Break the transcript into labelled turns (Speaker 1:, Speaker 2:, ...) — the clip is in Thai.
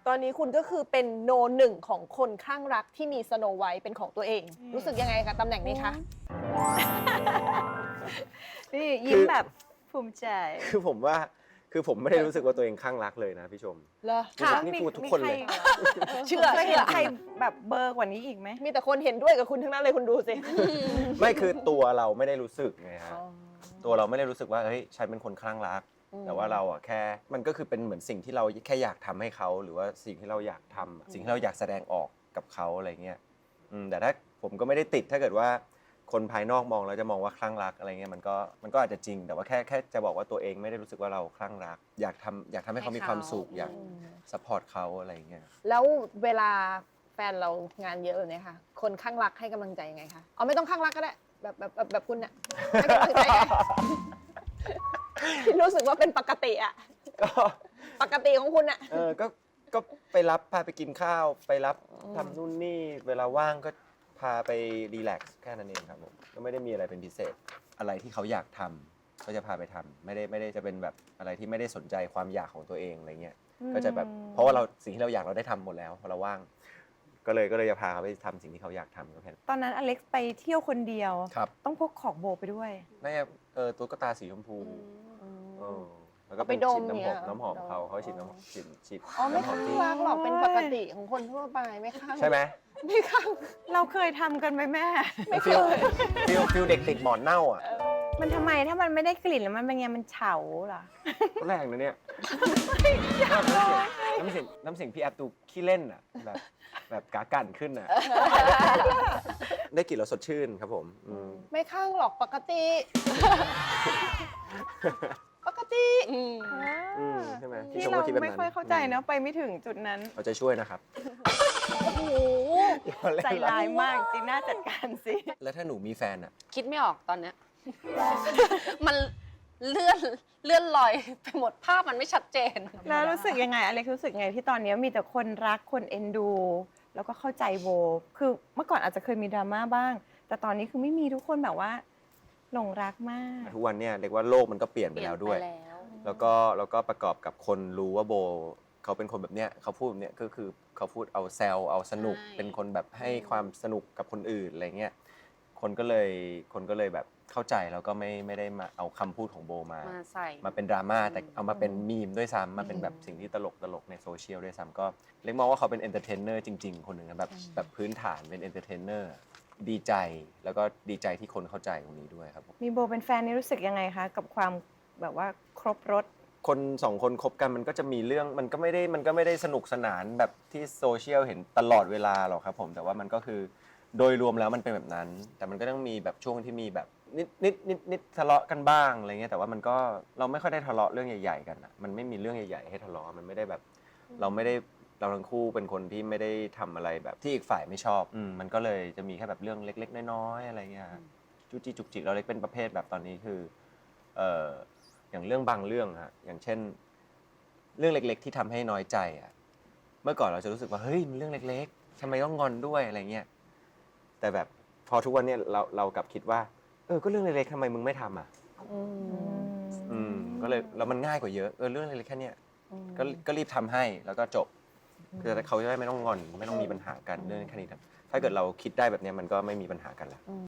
Speaker 1: ตอนนี้คุณก็คือเป็นโนหนึ่งของคนคลั่งรักที่มีสโนไวท์เป็นของตัวเอง รู้สึกยังไงกับตำแหน่งนี้คะ
Speaker 2: นี่ยิ้มแบบภูมิใจ
Speaker 3: คือผมว่าคือผมไม่ได้รู้สึกว่าตัวเองคลั่งรักเลยนะพี่ชม
Speaker 1: เหรอ
Speaker 3: ค่ะนี่พูดทุกคนเลย
Speaker 1: เชื่อ
Speaker 2: เคยเห็นใครแบบเบอร์กว่านี้อีกไหม
Speaker 1: มีแต่คนเห็นด้วยกับคุณทั้งนั้นเลยคุณดูสิ
Speaker 3: ไม่คือตัวเราไม่ได้รู้สึกไงฮะตัวเราไม่ได้รู้สึกว่าเฮ้ยฉันเป็นคนคลั่งรัก แต่ว่าเราอ่ะแค่มันก็คือเป็นเหมือนสิ่งที่เราแค่อยากทำให้เขาหรือว่าสิ่งที่เราอยากทำสิ่งที่เราอยากแสดงออกกับเขาอะไรเงี้ยแต่ถ้าผมก็ไม่ได้ติดถ้าเกิดว่าคนภายนอกมองแล้วจะมองว่าคลั่งรักอะไรเงี้ยมันก็อาจจะจริงแต่ว่าแค่จะบอกว่าตัวเองไม่ได้รู้สึกว่าเราคลั่งรักอยากทำให้เขามีความสุขอยากซัพพอร์ตเขาอะไรเงี้ย
Speaker 1: แล้วเวลาแฟนเรางานเยอะแบบนี้ค่ะ คนข้างรักให้กำลังใจยังไงคะเอาไม่ต้องข้างรักก็ได้แบบคุณน่ะให้กำลังใจไง ที่รู้สึกว่าเป็นปกติอะ
Speaker 3: ก็
Speaker 1: ปกติของคุณอะ
Speaker 3: ก็ไปรับพาไปกินข้าวไปรับทำนู่นนี่เวลาว่างก็พาไปรีแลกซ์แค่นั้นเองครับผมก็ไม่ได้มีอะไรเป็นพิเศษอะไรที่เขาอยากทำก็จะพาไปทำไม่ได้จะเป็นแบบอะไรที่ไม่ได้สนใจความอยากของตัวเองอะไรเงี้ยก็จะแบบเพราะว่าเราสิ่งที่เราอยากเราได้ทำหมดแล้วพอเราว่างก็เลยจะพาเขาไปทำสิ่งที่เขาอยากทำก็แค่นั้น
Speaker 2: ตอนนั้นอเล็กซ์ไปเที่ยวคนเดียว
Speaker 3: ครับ
Speaker 2: ต้องพกของโบไปด้วย
Speaker 3: น่าจะตุ๊กตาสีชมพูแล้วก็
Speaker 1: ไป
Speaker 3: เป็น
Speaker 1: ด
Speaker 3: ฉี
Speaker 1: ม
Speaker 3: ด
Speaker 1: เนี่ย
Speaker 3: น้ำหอมเขาฉีดน้ำหอมฉีด
Speaker 1: อ๋อไม่
Speaker 3: น้ำหอ
Speaker 1: ข้าม ง
Speaker 3: ที่
Speaker 1: รักหรอกเป็นปกติของคนทั่วไปไม่ข้าง
Speaker 3: ใช่ไหม
Speaker 1: ไม่ข้าง
Speaker 2: เราเคยทำกันไหมแม่
Speaker 1: ไม่เค
Speaker 3: ฟิลเด็กติดหมอนเน่าอ่ะ
Speaker 2: มันทำไมถ้ามันไม่ได้กลิ่นแล้วมันเป็นไงมันเฉาเหรอ
Speaker 3: ก็แรงนะเนี่ยน้ำเสียงพี่แอปดูขี้เล่นอ่ะแบบกากันขึ้นอ่ะได้กลิ่นแล้วสดชื่นครับผม
Speaker 1: ไม่ข้างหรอกปกติ ปกติ
Speaker 3: ใช่ไหม
Speaker 2: ที่
Speaker 3: ชม
Speaker 2: เรา
Speaker 3: ก็คิดแบบ
Speaker 2: ไม่
Speaker 3: นั้น
Speaker 2: ค่อยเข้าใจเนอะไปไม่ถึงจุดนั้น
Speaker 3: เอาใจช่วยนะครับ
Speaker 1: โอ้โห
Speaker 2: ใจร้ายมากจีน่าจัดการสิ
Speaker 3: แล้วถ้าหนูมีแฟนอ่ะ
Speaker 4: คิดไม่ออกตอนเนี้ย มันเลื่อนลอยไปหมดภาพมันไม่ชัดเจน
Speaker 2: แล้วรู้สึกยังไงอเล็กซ์รู้สึกไงที่ตอนนี้มีแต่คนรักคนเอ็นดู แล้วก็เข้าใจโบคือเมื่อก่อนอาจจะเคยมีดราม่าบ้าง แต่ตอนนี้คือไม่มีทุกคนแบบว่าหลงรักมาก
Speaker 3: ทุกวันเนี่ยเรียกว่าโลกมันก็เปลี่ยนไปแล้วด้วย แล้วก็ประกอบกับคนรู้ว่าโบเขาเป็นคนแบบเนี้ยเขาพูดแบบเนี้ยก็คือเขาพูดเอาแซวเอาสนุก
Speaker 4: ใช่
Speaker 3: เป็นคนแบบให้ความสนุกกับคนอื่นอะไรเงี้ยคนก็เลยแบบเข้าใจแล้วก็ไม่ได้มาเอาคำพูดของโบมา
Speaker 4: ใส่
Speaker 3: มาเป็นดราม่าแต่เอามาเป็นมีมด้วยซ้ำมาเป็นแบบสิ่งที่ตลกในโซเชียลด้วยซ้ำก็เล็กมองว่าเขาเป็นเอนเตอร์เทนเนอร์จริงๆคนหนึ่งนะแบบพื้นฐานเป็นเอนเตอร์เทนเนอร์ดีใจแล้วก็ดีใจที่คนเข้าใจตรงนี้ด้วยครับผม
Speaker 2: มีโบเป็นแฟนนี่รู้สึกยังไงคะกับความแบบว่าครบรถ
Speaker 3: คนสองคนคบกันมันก็จะมีเรื่องมันก็ไม่ได้สนุกสนานแบบที่โซเชียลเห็นตลอดเวลาหรอกครับผมแต่ว่ามันก็คือโดยรวมแล้วมันเป็นแบบนั้น แต่มันก็ต้องมีแบบช่วงที่มีแบบนิดทะเลาะกันบ้างอะไรเงี้ยแต่ว่ามันก็เราไม่ค่อยได้ทะเลาะเรื่องใหญ่ๆกันอะมันไม่มีเรื่องใหญ่ๆให้ทะเลาะมันไม่ได้แบบเราทั้งคู่เป็นคนที่ไม่ได้ทำอะไรแบบที่อีกฝ่ายไม่ชอบมันก็เลยจะมีแค่แบบเรื่องเล็กๆน้อยๆอะไรเงี้ยจุกจิกจุกจิกเราเล็กเป็นประเภทแบบตอนนี้คืออย่างเรื่องบางเรื่องฮะอย่างเช่นเรื่องเล็กๆที่ทำให้น้อยใจอ่ะเมื่อก่อนเราจะรู้สึกว่าเฮ้ยมันเรื่องเล็กๆทำไมต้องงอนด้วยอะไรเงี้ยแต่แบบพอทุกวันเนี้ยเรากลับคิดว่าก็เรื่องเล็กๆทำไมมึงไม่ทำอ่ะก็เลยแล้วมันง่ายกว่าเยอะเรื่องเล็กๆแค่เนี้ยก็รีบทำให้แล้วก็จบคือเขาจะได้ไม่ต้องงอนไม่ต้องมีปัญหากันเรื่องแค่นี้ถ้าเกิดเราคิดได้แบบเนี้ยมันก็ไม่มีปัญหากันละ